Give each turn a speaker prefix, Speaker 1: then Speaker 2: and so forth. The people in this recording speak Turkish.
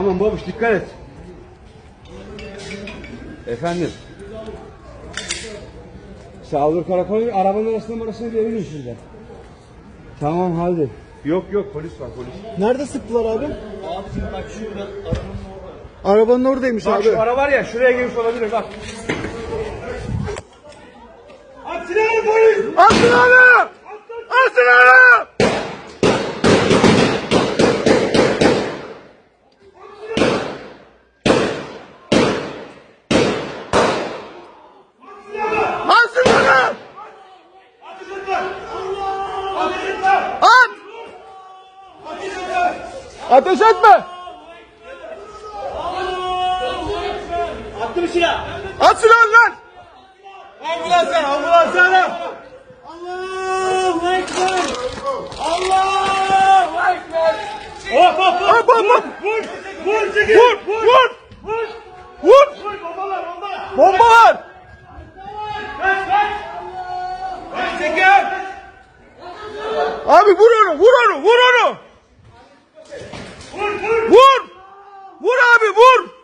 Speaker 1: Tamam babuş, dikkat et. Efendim. Sağlık karakolu arabanın arasında verin sizden. Tamam hadi. Yok polis var polis.
Speaker 2: Nerede sıktılar abi?
Speaker 3: Abicim bak şurada
Speaker 2: Arabanın oradaymış
Speaker 1: Bak
Speaker 2: abi.
Speaker 1: şu ara var ya, şuraya girmiş olabilir bak. At silahını polis!
Speaker 2: At silahını! At silahını! At silahını! At! Ateş etme!
Speaker 3: attı bir silah.
Speaker 2: At silahını lan!
Speaker 1: Ambulans ara!
Speaker 3: Allahu Ekber. Allahu Ekber.
Speaker 2: Hop hop hop!
Speaker 1: Vur çekil!
Speaker 2: Vur!
Speaker 1: Bombalar!
Speaker 2: Bomba var!
Speaker 1: Kaç çekil!
Speaker 2: Abi vur onu! Vur onu!
Speaker 1: Vur!
Speaker 2: Vur! Vur abi vur!